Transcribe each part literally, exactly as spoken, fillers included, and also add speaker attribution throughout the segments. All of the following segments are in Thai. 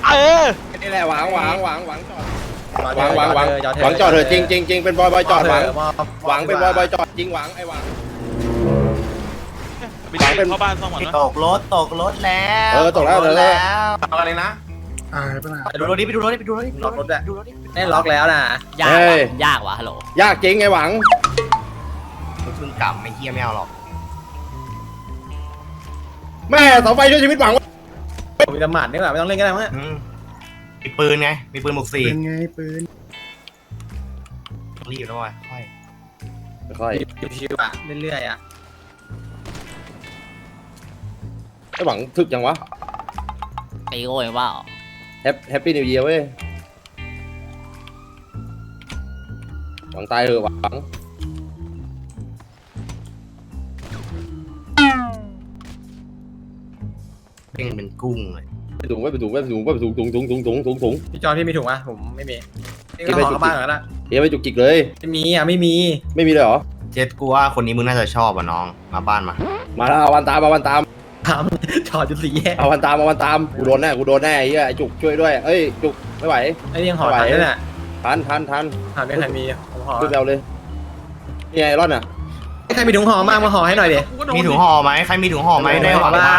Speaker 1: เออ
Speaker 2: นี่แหละหวังหวังหวังหวังจอดหวังหวังหวังหวังจอดเถอะจริงจริงจริงเป็นบอยบอยจอดหวังหวังเป็นบอยบอยจอดจริงหวังไอ้หวัง
Speaker 1: หวังเป็นเข้าบ้านซ่อมก่อนนะ
Speaker 3: ตกรถตกรถแล้ว
Speaker 2: เออตกแล้วตกแล้ว
Speaker 3: อะไรนะ
Speaker 4: อ่าไปไหน
Speaker 3: ไปดูรถดิไปดูรถดิไปดูรถดิล็อกรถด้วยได้ล็อกแล้วนะ
Speaker 5: ยากว่ะยากว่ะฮัลโหล
Speaker 2: ยากจริงไอ้หวัง
Speaker 3: มึงกลับไม่เฮียไม่เอาหรอก
Speaker 2: แม่เสาไฟช่วยชีวิตหวัง
Speaker 3: มีดำหมัดนี่แหละไม่ต้องเล่นก็ได้มั้งมีปืนไงมีปืนบุกสี่
Speaker 4: เป็นไงปืน
Speaker 3: รีบแล้วว่ะค่อย
Speaker 2: ค่อย
Speaker 3: ชิวๆอ่ะเรื่อยๆอ่ะ
Speaker 2: ไอ้หวังถึกยังวะ
Speaker 5: ตีโอ้ยว่า
Speaker 2: แฮปแฮปปี้นิวเยียร์เว้ยหวังตายเถอะหวัง
Speaker 3: เป็นเป็นกุ้งเลย
Speaker 2: ไปถุงไปถุงไปถุงไปถุงถุงถุงถุงถุงถุงถุง
Speaker 3: พี่จอนพี่มีถุงป่ะผมไม่มีพี่ก็ขอบ้านก่อนนะ
Speaker 2: เฮียไปจุกจิกเลย
Speaker 3: ไม่มีอ่ะไม่มี
Speaker 2: ไม่มีเลยเหรอ
Speaker 3: เจ็ดกูว่าคนนี้มึงน่าจะชอบอ่ะน้องมาบ้านมา
Speaker 2: มาแล้วเอาวันตามเอาวันตาม
Speaker 3: ถามจอดจุดสี่แยก
Speaker 2: เอาวันตามเอาวันตามกูโดนแน่กูโดนแน่ไอ้เหี้ยไอ้จุกช่วยด้วยเอ้ยจุกไม่ไหว
Speaker 3: ไอ้ยังหอทันด้วยน่ะ
Speaker 2: ทันทันทัน
Speaker 3: ถามไม่ใครมีผมห่อ
Speaker 2: ขึ้นเร็วเลยนี่ไงร่อนอ่ะ
Speaker 3: ใครมีถุงห่อบ้างมาห่อให้หน่อยดิมีถุงห่อไหมใครมีถุงห่อไหมได้ห่อบ้าง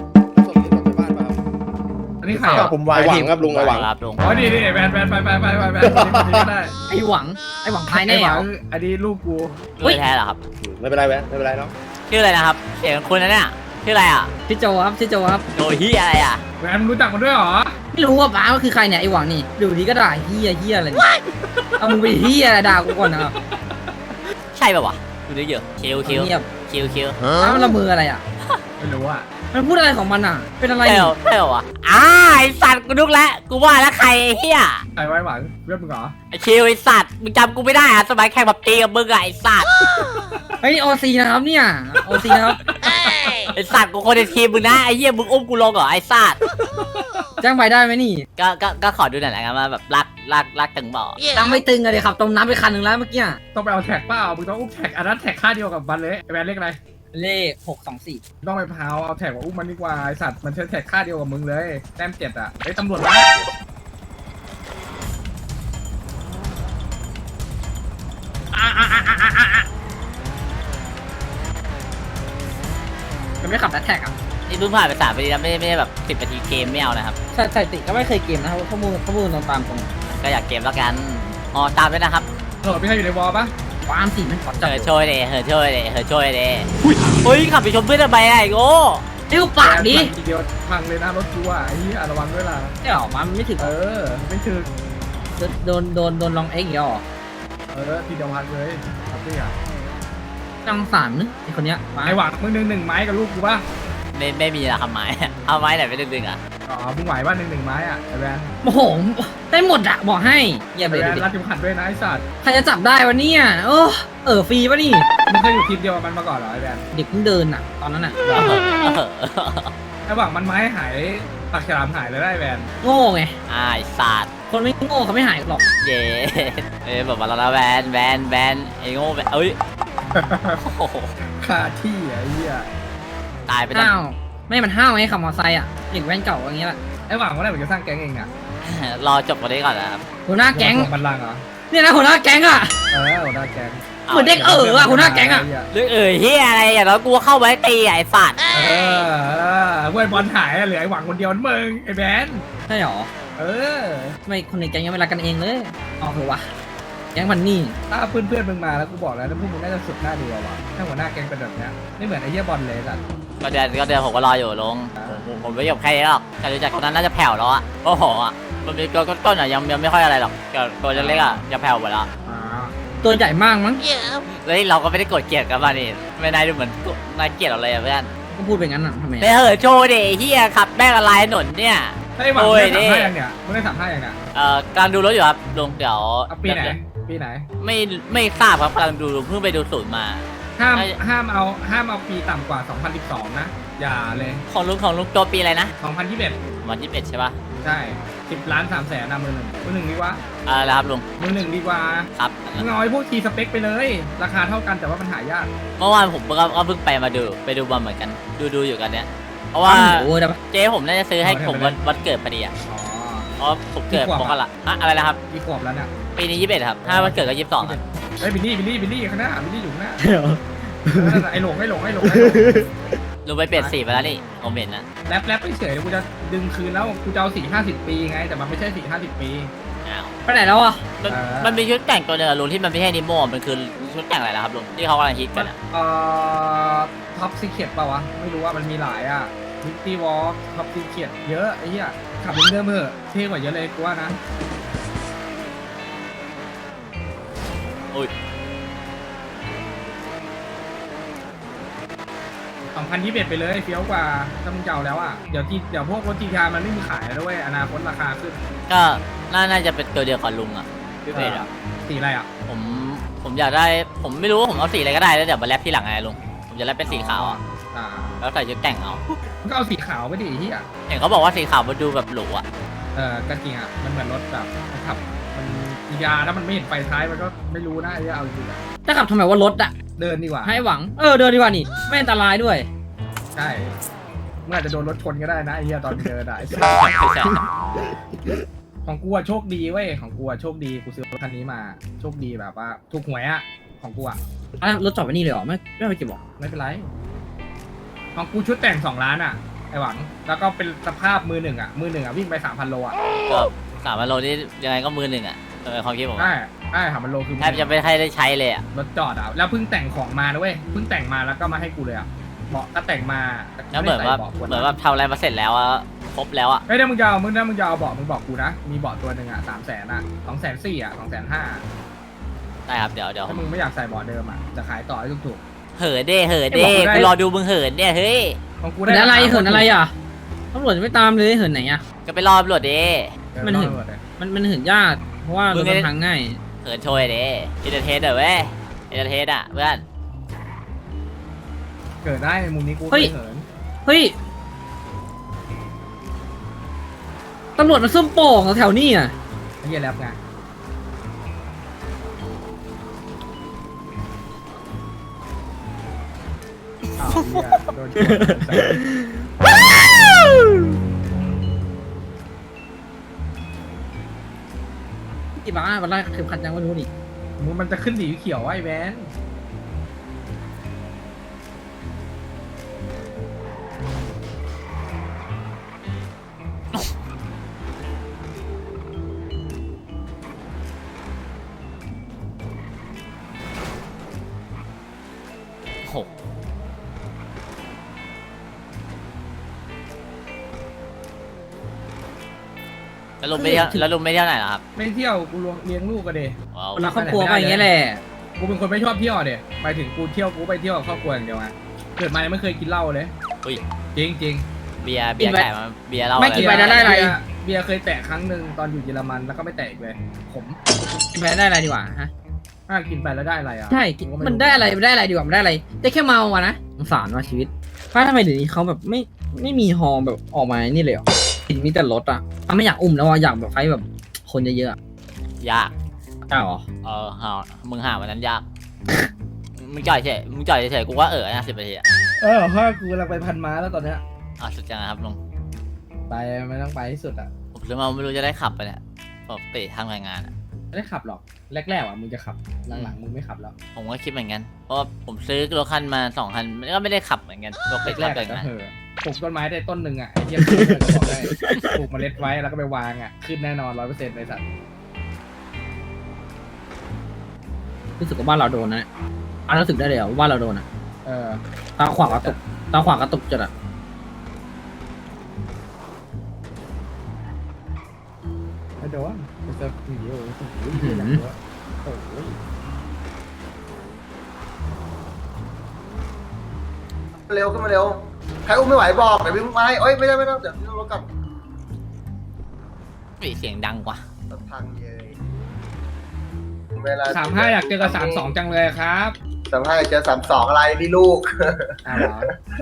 Speaker 4: อันนี้ใคร
Speaker 3: ก็
Speaker 4: อ่ะ
Speaker 3: ผมวาง
Speaker 2: ไอ้หวัง
Speaker 3: ทีม
Speaker 2: ครับลุงไอ้หวัง
Speaker 5: ครับลุง
Speaker 4: อ๋อนี่นี่แบนแบนไปไปไปไปไปก็ได้
Speaker 6: ไอหวังไอหวังภายใน
Speaker 4: ไอ้ห
Speaker 6: เหร
Speaker 4: วั
Speaker 6: อง
Speaker 4: อันนี้ลูกกู
Speaker 5: ไม่แท้เหรอครับ
Speaker 2: ไม่เป็นไรแวะไม่เป็นไรเนาะ
Speaker 5: ชื่ออะไรนะครับเสียงคุณนะเนี่ยชื่ออะไรอ่ะ
Speaker 6: ชื่อโจครับชื่อโจครับ
Speaker 5: โดยที่อะไรอ่ะ
Speaker 4: แบนรู้จักมันด้วยเหรอ
Speaker 6: ไม่รู้ว่าป้าว่าคือใครเนี่ยไอหวังนี่ดูดีก็ด่าเฮียเฮียอะไรเนี่ยเอามึงไปเฮียอะไรด่ากูก่อนนะครับ
Speaker 5: ใช่ป่าววะดูดิเยอะคิวคิว
Speaker 6: เงียบ
Speaker 5: คิวคิว
Speaker 6: ป้ามันละมืออะไรอ่ะ
Speaker 4: ไม่รู้อ่ะ
Speaker 6: มันพูดอะไรของมันอ่ะ เป็นอะไร
Speaker 5: ใช่
Speaker 6: นี่
Speaker 5: ป่าวใช่ป่าววะอ้าไอสัตว์กูนึกแล้วกูว่าแล้วใครไอ้เหี้ย
Speaker 4: ไอ้ไว้หวังเพื่อนมึงเหรอ
Speaker 5: ไอคิวไอสัตว์มึงจำกูไม่ได้อะสมัยแข่งแบบตีกับมึงอะไอสัตว์
Speaker 6: ไอโอซีนะครับเนี่ยโอซีนะครับ
Speaker 5: ไอสัตว์กูคนในทีมมึงนะไอเหี้ยมึงอุ้มกูลงเหรอไอสัตว์
Speaker 6: จ้างใบได้ไหมนี่
Speaker 5: ก็ก็ก็ขอดูหน่อยนะครับว่าแบบรักรักรักตึงบ่
Speaker 6: ตั้งไม่ตึงอะเลยครับต้มน้ำไปคันหนึ่งแล้วเมื่อกี้
Speaker 4: ต้องไปเอาแท็กเปล่ามึงต้องอุ้มแท็กอันนั้นแท็กค่าเดียวกับบันเลยไอ้แบนเลขอะไร
Speaker 6: เลขหกสองสี่
Speaker 4: ต้องไปพาวเอาแท็กมาอุ้มมันดีกว่าไอสัตว์มันใช้แท็กค่าเดียวกับมึงเลยแต้มเจ็ดอ่ะไอ้ตำรวจมา
Speaker 6: มันไม่ขับแท็กอ่ะ
Speaker 5: นี่เพิ่งผ่านไปสามปีแล้วไม่ไม่ได้แบบสิบนาทีเกมไม่เอานะครับ
Speaker 6: สถิติก็ไม่เคยเกมนะครับข้อมูลข้อมูลตรงตามตรง
Speaker 5: ก็อยากเกมแล้วกันอ๋อตามด้วยนะครับ
Speaker 4: ตำรวจไม่ใช่อยู่ในวอลปะ
Speaker 6: ความสีมันขอ
Speaker 5: เฮ
Speaker 6: จับ
Speaker 5: อช่วยเลยเฮอช่วยเลยเฮอช่วยเลยอุ้ยขับไปชมเพื่อนทำไมอะไอ้โง่
Speaker 6: เอ้าปากดิ
Speaker 4: ทีเดียวพังเลยนะรถกูอ่ะไอ้เหี้ยระวังด้วยล่ะ
Speaker 6: ไม่หรอมันไม่ถึง
Speaker 4: เออไม่ถึง
Speaker 6: โดนโดนโดนลองเอ็กซ์อีกแล้วเหรอ
Speaker 4: เออทีเดียวพังเลยครับพี่อ่ะ
Speaker 6: จังสารนึกไอคนเนี้ยป้า
Speaker 4: ไอหวังมึงหนึ่งหนึ่งไม้กับลูกกูป่ะ
Speaker 5: ไม่ไม่มีละครับไม้เอาไม้ไหนไปดึงๆอ่ะ
Speaker 4: อ๋อมึงไหวป่ะหนึ่งหนึ่งไม้อ่ะไอแวน
Speaker 6: โอ้โหได้หมดอะบอกให้อย่า
Speaker 4: ไอ
Speaker 6: ไป
Speaker 4: แวนรัดเข็มขัดด้วยนะไอสัตว์
Speaker 6: ใครจะจับได้วะเนี่ยโอ้เออฟรีปะนี่
Speaker 4: มึงเคยอยู่ทีมเดียวกับมันมาก่อนเหรอไอแวน
Speaker 6: เด็กเพิ่งเดินอะตอนนั้นอะ
Speaker 5: เออเออ
Speaker 4: ไอหวังมันไม้หายปากฉลามหายเลยได้ไอแวน
Speaker 6: โง่ไง
Speaker 5: อ่าไอ้สัตว์
Speaker 6: คนไม่โง่เขาไม่หายหรอก
Speaker 5: เย้เอ้ยแบบว่าเราละแวนแวนแวนไอ้โง่แวนเอ้ยโอ้โห
Speaker 4: คาที่อ่ะไอ้เหี้ย
Speaker 5: ตายไปตั้ง
Speaker 6: ห้าวไม่มันห้าวไงขับมอเตอร์ไซค์อะเด็กแว้นเก่าอย่างเงี้ยแหละ
Speaker 4: ไอหวังว่าไหนมึงจะสร้างแก๊งเองอ่ะ
Speaker 5: รอจบวันนี้ก่อนนะครับ
Speaker 6: หัวหน้าแก๊ง
Speaker 4: บันลังก์เหรอ
Speaker 6: เนี่ยนะหัวหน้าแก๊งอะ
Speaker 4: เออหัวหน้าแก๊ง
Speaker 6: เหมือนเด็กเอออะหัวหน้าแก๊งอะ
Speaker 5: หรือเอ่ยเฮียอะไรอย่างน้อยกูเข้าไว้ตีไอ้สัตว์
Speaker 4: เออเออเว้ยบอลหายอะเหลือไอหวังคนเดียวนั่นมึงไอแวน
Speaker 6: ใช่หรอ
Speaker 4: เออ
Speaker 6: ทำไมคนในแก๊งยังไม่รักกันเองเลยอ๋อเหรอวะแก๊งมันนี่
Speaker 4: ถ้าเพื่อนเพื่อนๆมึงมาแล้วกูบอกแล้วนะพวกมึงน่าจะสุดหน้าดูว่ะถ้าหัวหน้าแก๊งเป็นแบบเนี้ยไม่เหมือนไอ้เหี้ยบอลเลยสัตว์
Speaker 5: ก็เดือนก็เดือนผมก็รออยู่ลงผมผมไม่ยอมใครหรอกแต่รู้จักคนนั้นน่าจะแผ่วแล้วอะโอ้โหอะมันมีตัวต้นๆอะยังยังไม่ค่อยอะไรหรอกตัวเล็กๆอะจะแผ่วหมดแล้ว
Speaker 4: อ่า
Speaker 6: ตัวใหญ่มากมั้ง
Speaker 5: เฮ้ยเราก็ไม่ได้กดเกลียดกันมานี่ไม่นายดูเหมือนนายเกลียดเราเลยอะเพื่อน
Speaker 6: ก็พูดไปงั้นอ่ะทำไม
Speaker 5: ไปเหอะโชว์ดิเฮียขับแม่งอะไรถนนเนี่ย
Speaker 4: ไอ้หวัง
Speaker 5: โอ้
Speaker 4: มึ
Speaker 5: ย
Speaker 4: งได้
Speaker 5: นี่
Speaker 4: สามห้ายังเนี่ยมึงได้สามห้ายังเนี่ย
Speaker 5: เอ่อการดูรถอยู่ครับลุงเดี๋ยว
Speaker 4: เอาปีไหนปีไหน
Speaker 5: ไม่ไม่ทราบครับกำลังดูเพิ่งไปดูศูนย์มา
Speaker 4: ห้าม
Speaker 5: ไอ้
Speaker 4: ห้ามเอาห้ามเอาปีต่ำกว่าสองพันสิบสองนะอย่าเลย
Speaker 5: ของลุงของลุงตัวปีอะไรนะ
Speaker 4: สองพันยี่สิบเอ็ด
Speaker 5: วันที่เป็ดใช่ปะ
Speaker 4: ใช่สิบล้านสามแสนนะมือหนึ่งมือหนึ่งดีกว่า
Speaker 5: อะไรนะครับลุง
Speaker 4: มือหนึ่งดีกว่า
Speaker 5: ครับ
Speaker 4: มึงเอาไอ้พวกทีสเปคไปเลย ราคาเท่ากันแต่ว่ามันหายาก
Speaker 5: เมื่อวานผมก็ก็เพิ่งไปมาดูไปดูบอลเหมือนกันดูดูอยู่กันเนี้ยเพราะว่า
Speaker 6: โอ้ยได้ปะ
Speaker 5: เจ๊ผมน่าจะซื้อให้ผมวันวันเกิดพอดีอ่ะ
Speaker 4: อ๋อ
Speaker 5: เพราะผมเกิดมกราอะอะไรนะครับ
Speaker 4: กี่ขวบแล้วเนี่ย
Speaker 5: ปีนี้ยี่สิบเอ็ดครับถ้าวันเกิดก็ยี่สิบสองครับ
Speaker 4: เฮ้ยบิลลี่บิลลี่บิลลี่ข้างหน้าบิลลี่อยู่ข้างหน้านั่นน่ะไอ้หลงไอ้หลงไอ้หลงไอ้หลง
Speaker 5: ลุงไปเปลี่ยนสีไปแล้วนี่ผมเห็นนะ
Speaker 4: แรปแรปไม่เฉยกูจะดึงคืนแล้วกูจะเอาสี่ห้าสิบปีไงแต่มันไม่ใช่สี่ห้าสิบปี
Speaker 5: อ้าว
Speaker 6: ไปไหนแล้วอ่ะ
Speaker 5: มัน
Speaker 4: เออ
Speaker 5: มันมีชุดแต่งตัวเนึงอะลุงที่มันไม่ใช่นิโม่มันคือชุดแต่งอะไรนะครับลุงที่เขากำลังฮิตกันอะ
Speaker 4: เอ่อท็อปซีเคทป่าวะไม่รู้ว่ามันมีหลายอ่ะมิตตี้วอล์กท็อปซีเคทเยอะไอ้เหี้ยขับเดิมๆเถอะเท่กว่าเยอะเลยกูว่านะ
Speaker 5: อุ้ย
Speaker 4: สองพันยี่สิบเอ็ดไปเลยเฟี้ยวกว่าถ้ามึงจะเอาแล้วอ่ะเดี๋ยวจีเดี๋ยวพวกรถจีทามันไม่มีขายแล้วด้วยอนาคตราคาขึ้น
Speaker 5: ก็น่าน่าจะเป็นตัวเดียวกับลุงอ่ะพี่เพชรอ่ะ
Speaker 4: สีอะไรอ่ะ
Speaker 5: ผมผมอยากได้ผมไม่รู้ว่าผมเอาสีอะไรก็ได้แล้วเดี๋ยวมาแรปที่หลังไงลุงผมจะแรปเป็นสีขาวอ่ะ
Speaker 4: อ่า
Speaker 5: แล้วใส่ชุดแต่งเอา
Speaker 4: มึงก็เอาสีขาวไปดิไอ้เหี้ย
Speaker 5: เห็นเขาบอกว่าสีขาวมันดูแบบหรูอ่ะ
Speaker 4: เออก็จริงอ่ะมันเหมือนรถแบบขับมันอียาถ้ามันไม่เห็นไฟท้ายมันก็ไม่รู้นะไอ้เหี้ยเอาจริงๆอะ
Speaker 6: จะขับทำไมว่ารถอ่ะ
Speaker 4: เดินดีกว่า
Speaker 6: ให้หวังเออเดินดีกว่านี่ไม่อันตรายด้วย
Speaker 4: ใช่เมื่ออาจจะโดนรถชนก็ได้นะไอ้เหี้ยตอนเดินอะไอ้สัส
Speaker 5: ไม่ใช่
Speaker 4: ของกูอะโชคดีเว้ยของกูอะโชคดีกูซื้อรถคันนี้มาโชคดีแบบว่าถูกหวยอะของกูอะ
Speaker 6: อ่ะรถจอดไว้นี่เลยเหรอไม่ไม่ไปเก็บหรอ
Speaker 4: ไม่เป็นไรของกูชุดแต่งสองล้านอะไอหวังแล้วก็เป็นสภาพมือหนึ่งอะมือหนึ่งอะวิ่งไปสามพันโลอะ
Speaker 5: ก็สามพันโลนี่ยังไงก็มือหนึ่งอ่ะเออความคิดผม
Speaker 4: ใช่
Speaker 5: อะ
Speaker 4: ใช่สามพันโลคือ
Speaker 5: แทบจะไม่ให้ได้ใช้เลยอ่ะ
Speaker 4: รถจอดอะแล้วเพิ่งแต่งของมานะเว้ยเพิ่งแต่งมาแล้วก็มาให้กูเลยอะเบาะก็แต่งมาต่
Speaker 5: แล้วเหมือนว่า
Speaker 4: ไได้ใส่บะ
Speaker 5: เหมือนว่าทำอะไรมาเสร็จแล้วอะครบแล้วอ่ะ
Speaker 4: เฮ้ยถ้ามึงจะเอามึงถ้ามึงจะเอาเบาะมึงบอกกูนะมีเบาะตัวหนึ่งอะสามแสนอะสองแสนสี่อะสองแสนห้า
Speaker 5: ได้ครับเดี๋ยวเดี๋ยว
Speaker 4: ถ้ามึงไม่อยากใส่เบาะเดิมอะจะขายต่อให้ถูก
Speaker 5: เหินเด้เหิน
Speaker 4: ไอ้
Speaker 5: เด้
Speaker 4: บอกกูได้
Speaker 5: กูรอดูมึงเหินเนี่ยเฮ้ย
Speaker 4: ๆของกู
Speaker 6: เหิ
Speaker 4: ได้
Speaker 6: นอะไร
Speaker 4: าคา
Speaker 6: เหินอะไรอ่ะตำรวจจะไม่ตามเลยเหินไหนอ่ะ
Speaker 5: ก็ไปรอตำรวจเด้
Speaker 4: เออ
Speaker 6: มันเหิน
Speaker 4: รอดหมดเลย
Speaker 6: มันมันเหินยากเพราะว่ารถมันทางง่าย
Speaker 5: เหินโชยเด้อินเตอร์เทสเด้อเว้ยอินเตอร์เทสอ่ะเพื่อน
Speaker 4: เกิดได้ในมุมนี้กู
Speaker 6: เฮ้ย
Speaker 4: เหิน
Speaker 6: เฮ้ยตำรวจมาซุ่มโป่งแถวๆนี้อ่ะ
Speaker 4: ไอ้เหี้ยแรปไงอ้าวเหี้ยโดนชนใส่
Speaker 6: กี่บ้าวันแรกเข็มขัดยังไม่รู้นี่
Speaker 4: มึงมันจะขึ้นสีเขียวไอ้แวน
Speaker 5: โอ้โหแล้วลุงไปเที่ยวแล้วลุงไปเที่ยวไหนล่ะครับ
Speaker 4: ไม่เที่ยวกูเลี้ยงลูกกันเด
Speaker 5: ว้าว
Speaker 6: เวลาครอบครัวก็อย่างเงี้ยแหละ
Speaker 4: กูเป็นคนไม่ชอบเที่ยวเดหมายถึงกูเที่ยวกูไปเที่ยวกับครอบครัวอย่างเดียวไงเกิดมายังไม่เคยกินเหล้าเลย
Speaker 5: อุ้ย
Speaker 4: จริงจริง
Speaker 5: เบียร์เบียร์ไก่มาเบียร์เหล้า
Speaker 6: ไม่
Speaker 5: อะไร
Speaker 6: กินไปแล้วได้อะไร
Speaker 4: เบียเบียร์เคยแตะครั้งหนึ่งตอนอยู่เยอรมันแล้วก็ไม่แตะอีกเลยผม
Speaker 6: กินไปได้อะไรดีกว่าฮะ
Speaker 4: ถ้ากินไปแล้วได้อะไรอ่ะ
Speaker 6: ใช่กินมันได้อะไรมันได้อะไรดีกว่ามันได้อะไรได้แค่เมาอะนะสงสารว่าชีวิตป้าทำไมเดี๋ยวนี้เขาแบบไม่ไม่มีฮอแบบออกมานี่เลยเหรอกินมีแต่รถอ่ะอ่ะไม่อยากอุ้มแล้วอ่ะอยากแบบไฟแบบคนเยอะๆอะ
Speaker 5: ยาก
Speaker 6: อ้าวเหรอ
Speaker 5: เออหามึงหาวันนั้นยาก มึงจ่อยเฉยมึงจ่อยเฉยกูว่าเออนะสิบนาทีอะ
Speaker 4: เออพ่อกูกำลังไปพันม้าแล้วตอนเนี้ย
Speaker 5: อ่ะสุดจังนะครับลุง
Speaker 4: ไปไม่ต้องไปที่สุดอ่ะ
Speaker 5: ผมซื้อมาไม่รู้จะได้ขับไปเนี่ยปกติทำรายงานอะ
Speaker 4: ไม่ได้ขับหรอกแรกๆอ่ะมึงจะขับหลังๆมึงไม่ขับแล้ว
Speaker 5: ผมก็คิดเหมือนกัน เพราะว่าผมซื้อรถคันมาสองคันมันก็ไม่ได้ขับเหมือนกันปกติ
Speaker 4: แร
Speaker 5: ขับ
Speaker 4: กๆ
Speaker 5: แต่
Speaker 4: อะก็
Speaker 5: งาน
Speaker 4: เหอะปลูกต้นไม้ได้ต้นหนึ่งอ่ะไอ้เหี้ยบอกได้ปลูกเมล็ดไว้แล้วก็ไปวางอ่ะขึ้นแน่นอนร้อยเปอร์เซ็นต์ในสัตว์
Speaker 6: รู้สึกว่าบ้านเราโดนนะอ่ะรู้สึกได้เลยเหรอว่าบ้านเราโดนอ่ะ
Speaker 4: เออ
Speaker 6: ตาขวางกระตุกตาขวางกระตุกจัดอ่ะ
Speaker 4: ไม่โดนมันจะหนีโอ้โหโอ้โหโอ้โห
Speaker 1: เร็วขึ้นมาเร็ว ใครอุ้มไม่ไหวบอกเดี๋ยววิ่งมาให้เอ้ยไม่ได้ไม่ได้เดี๋ยวพี่ต้องรถกลับ
Speaker 5: อุ๊ยเสียงดังกว่า
Speaker 1: รถพังเย้ยเวลา
Speaker 4: สามห้าอยากเจอกับสามสองจังเลยครับ
Speaker 1: สามห้าเจอสามสองอะไรนี่ลูก
Speaker 4: อ้าวเหรอ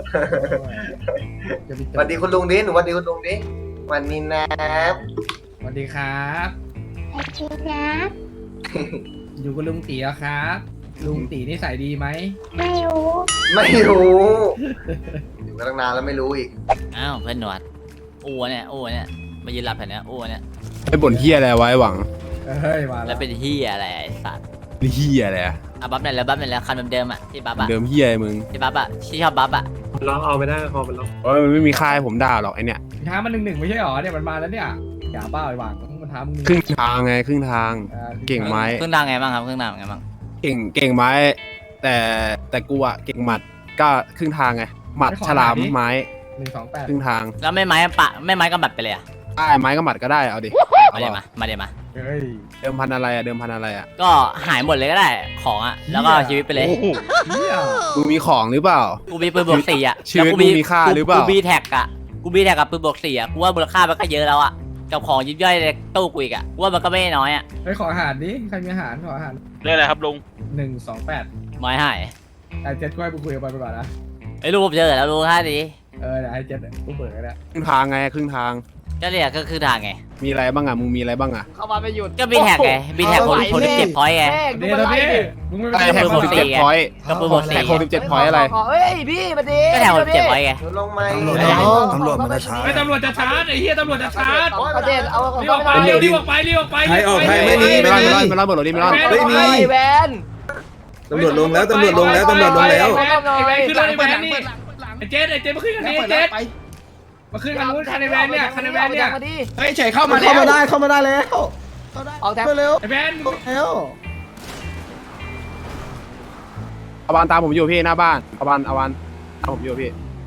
Speaker 4: จะไปเจ
Speaker 1: ส
Speaker 4: อ
Speaker 1: วัสดีคุณลุงดิหนูสวัสดีคุณลุงดิวันนี้นะ
Speaker 4: สวัสดีครับ
Speaker 7: สวัสดีนะ
Speaker 4: อยู่กับลุงตีแล้วครับ ลุงตีนิสัยดีไหม
Speaker 7: ไม่รู้
Speaker 1: ไม่รู้อยู่มาตั้งนานแล้วไม่รู้อีก
Speaker 5: อ้าวเพื่อนหนวดอ้วเนี่ยอ้วเนี่ยมายืนหลับแถวเนี้ยอ้วเนี่ย
Speaker 8: ไอ้บ่นเฮียอะไรไว้หวัง
Speaker 4: เฮ้ยมา
Speaker 5: แล้
Speaker 4: แล้ว ว
Speaker 5: เป็นเฮียอะไรไอ้สัตว์
Speaker 8: เฮียอะไรอะ
Speaker 5: อ่ะบัฟไหนอยแล้วบัฟไหนอยแล้วคันเดิมๆอ่ะที่บัฟอ่ะ
Speaker 8: เดิมเฮียอะไรมึง
Speaker 5: ที่บัฟอ่ะที่ชอบบัฟอ่ะ
Speaker 3: ลองเอาไปได้คอมันลอง
Speaker 8: โอ้ยมันไม่มีค่ายผมด่าหรอกไอเนี่ย
Speaker 4: ท้ามันหนึ่งหนึ่งไม่ใช่หรอเนี่ยมันมาแล้วเนี่ยอย่าบ้าไอ้หวังมันท้ามึง
Speaker 8: ครึ่งทางไงครึ่งทาง
Speaker 4: อ่า
Speaker 8: เก่งไหม
Speaker 5: เครื่องดังไงบ้างครับเครื่องดังไงบ้าง
Speaker 8: เก่งเก่งไม้ แต่แต่กูอะเก่งหมัดก็ครึ่งทางไงหมัดฉลามไม้
Speaker 4: หนึ่งสองแปด
Speaker 8: ครึ่งทาง
Speaker 5: แล้วไม่ไม้ปะไม่ไม้ก็บัดไปเลยอ่ะ
Speaker 8: ได้ไม้ก็หมัดก็ได้เอาดิ
Speaker 5: มาเดี๋ยวมามาเดี๋ยวมา
Speaker 4: เฮ้ย
Speaker 8: เดิมพันอะไรอะเดิมพันอะไรอะ
Speaker 5: ก็หายหมดเลยก็ได้ของอ่ะแล้วก็เอาชีวิตไปเลย
Speaker 4: เฮีย
Speaker 8: มึงมีของหรือเปล่า
Speaker 5: กูมีปืนบวกสี่อ่ะ
Speaker 8: ชีวิต
Speaker 5: แล้ว
Speaker 8: มึงมีค่าหรือเปล่า
Speaker 5: กูบีแท็กอ่ะกูบีแท็กกับปืนบวกสี่อ่ะกูว่ามูลค่ามันก็เยอะแล้วอ่ะกับของยิบย่อยในตู้กูอีกอ่ะกูว่ามันก็ไม่น้อยอ่ะ
Speaker 4: เฮ้ยขออาหารดิใครมีอาหารขออาหาร
Speaker 2: เรื่องอะไรครับลุง
Speaker 4: หนึ่งสองแปด
Speaker 5: ไม้หาย
Speaker 4: ไอ้เจ็ดก็ให้กูคุยกับมันไปก่อนนะ
Speaker 5: ไอ้ลูกผมเจอแล้วลูกท่าดี
Speaker 4: เออเดี๋ยวไอ้เจ็ดกูเปิดก็ได้
Speaker 8: ครึ่งทางไงครึ่งทาง
Speaker 5: ก็เนี่ยก็คือทางไง
Speaker 8: มีอะไรบ้างอะมึงมีอะไรบ้างอะ
Speaker 9: เข้ามาไม่หยุด
Speaker 5: ก็บีแท็กไงบีแท็กคนคนที่เจ็บพอยต์ไง
Speaker 9: แม่ง
Speaker 4: เดี๋
Speaker 9: ดู
Speaker 4: ยว
Speaker 9: มัน
Speaker 4: พี่
Speaker 9: ไล่ดิ
Speaker 4: มึงไม่
Speaker 8: ไอ้
Speaker 4: ไป
Speaker 8: แท็ก
Speaker 5: ปืน
Speaker 8: ห
Speaker 5: บ
Speaker 8: ก
Speaker 5: วก
Speaker 8: สิบ
Speaker 5: สี่
Speaker 8: เจ็ดพอยต์
Speaker 5: ก็ปืนบวก
Speaker 8: แท็
Speaker 5: สี่
Speaker 8: กหกสิบเจ็ดพอยต์อะไร
Speaker 9: เฮ้ยพี่มาดี
Speaker 5: ก็แท็กหกสิบเจ็ดพอยต์ไง
Speaker 1: ลงไหม
Speaker 9: ตำรวจมันจะช้า
Speaker 4: ไอ้ตำรวจจะชาร์จไอ้เฮียตำรวจจะชาร์จ
Speaker 9: ประเด็นเอาของ
Speaker 4: รีบออกไปรีบออกไปรีบออกไป
Speaker 3: ใครออกใครไม่มี
Speaker 8: ไม่รอดไม่รอดไม่รอดเบิร์ดรถดิไม่รอด
Speaker 3: ไม่มี
Speaker 9: ไอ้แวน
Speaker 3: ตำรวจลงแล้วตำรวจลงแล้วตำรวจลงแล้ว
Speaker 4: ไอ้แวนขึ้นรถไอ้แวนนี่ไอ้เจ๊ไอ้เจ๊มาขึ้นคันนี้ไอ้เจ๊มาขึ้นคันนู้นคันไอ้แวนเนี่ยคันไอ้แวนเนี่ย
Speaker 9: มาดิ
Speaker 3: เฮ้ยเฉยเข้ามาเข้ามาได้เข้ามาได้แล้ว
Speaker 9: ออกแท็ก
Speaker 3: เร็ว
Speaker 4: ไอ้แวน
Speaker 3: แล้ว
Speaker 8: เอาบานตามผมอยู่พี่หน้าบ้านเอาบานเอาบานตามผมอยู่พี่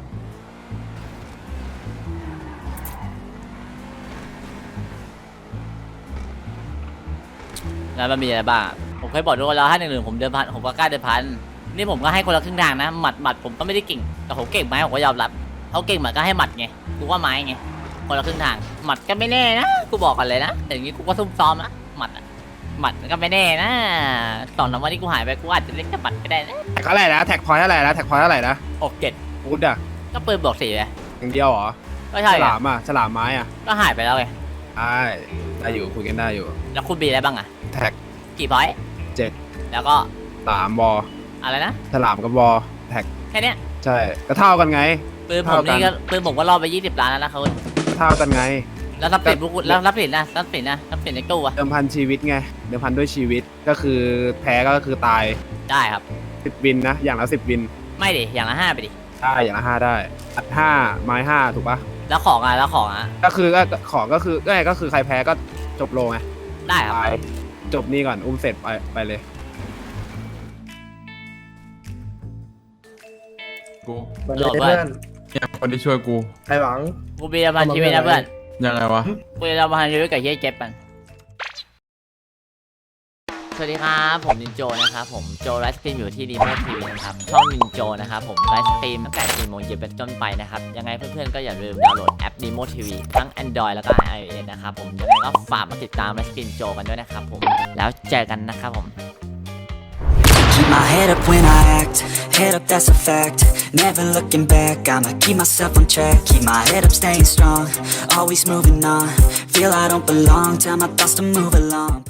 Speaker 5: แล้วมันมีอะไรบ้างอะผมเคยบอกทุกคนแล้วถ้าหนึ่งหนึ่งผมเดินพันผมก็กล้าเดินพันนี่ผมก็ให้คนละครึ่งทางนะหมัดหมัดผมก็ไม่ได้เก่งแต่ผมเก่งไหมผมก็ยอมรับเขาเก่งหมัดก็ให้หมัดไงกูว่าไม้ไงคนละครึ่งทางหมัดก็ไม่แน่นะกูบอกกันเลยนะแต่อย่างนี้กูก็ซุ่มซ้อมนะหมัดอะหมัดก็ไม่แน่นะสองสามวันที่กูหายไปกูอาจจะเล่นแค่หมัดก็ได้นะ
Speaker 8: แท็กเท่าไหร่นะแท็กพอยต์เท่าไหร่นะแท็กพอยต์เท่าไหร่นะ
Speaker 5: หกเจ็ด
Speaker 8: พูดอะ
Speaker 5: ก็ปืนบวกสี่เลย
Speaker 8: อย่างเดียวเหรอ
Speaker 5: ก็ใช่
Speaker 8: ฉ
Speaker 5: ไง
Speaker 8: ลามอะฉลามไม้อะ
Speaker 5: ก็หายไปแล้วไง
Speaker 8: ได้ได้อยู่คุยกันได้อยู่
Speaker 5: แล้วคุณบีอะไรบ้างอะ
Speaker 8: แท็ก
Speaker 5: กี่พอยต์
Speaker 8: เจ็ด
Speaker 5: แล้วก็
Speaker 8: สามบอ
Speaker 5: อะไรนะ
Speaker 8: ฉลามกับบอแท็ก
Speaker 5: แค่เนี้ย
Speaker 8: ใช่ก็เท่ากันไง
Speaker 5: ปืนผมนี่ก็ปืนผมก็รอไปยี่สิบล้านแล้วนะเขา
Speaker 8: เท่ากันไง
Speaker 5: แล้วทรัพย์สินพวกคุณแล้วทรัพย์สินนะทรัพย์สินนะทรัพย์สินในตู้อะ
Speaker 8: เดิมพันชีวิตไงเดิมพันด้วยชีวิตก็คือแพ้ก็คือตาย
Speaker 5: ได้ครับ
Speaker 8: สิบวินนะอย่างละสิบวิน
Speaker 5: ไม่ดิอย่างละห้าไปดิ
Speaker 8: ได้อย่างละห้าได้อัดห้าไม้ห้าถูกปะ
Speaker 5: แล้วของอ่ะแล้วของอ่ะ
Speaker 8: ก็คือก็ของก็คือก็ก็คือใครแพ้ก็จบโลไง
Speaker 5: ได้ครับ
Speaker 8: ตายจบนี่ก่อนอุ้มเสร็จไปไปเลย
Speaker 10: กู
Speaker 5: โหลดเพื่อน
Speaker 10: เนี่ยคนที่ช่วยกู
Speaker 3: ใครหวัง
Speaker 5: กูมีประมาณชีวิตนะเพื่อน
Speaker 10: ยังไงวะ
Speaker 5: กูจะประมาณชีวิตกับเฮียเจ็บมันสวัสดีครับผมนินโจนะครับผมโจไลฟ์สตรีมอยู่ที่รีโมททีวีนะครับช่องนินโจนะครับผมไลฟ์สตรีมตั้งแต่สี่โมงเย็นเป็นต้นไปนะครับยังไงเพื่อนๆก็อย่าลืมดาวน์โหลดแอป Nemo ที วี ทั้ง Android แล้วก็ iOS นะครับผมยังไงก็ฝากมาติดตามไลฟ์สตรีมโจกันด้วยนะครับผมแล้วเจอกันนะครับผม
Speaker 11: Keep my head up when I act, head up that's a fact. Never looking back, I'ma keep myself on track. Keep my head up staying strong, always moving on. Feel I don't belong, tell my thoughts to move along.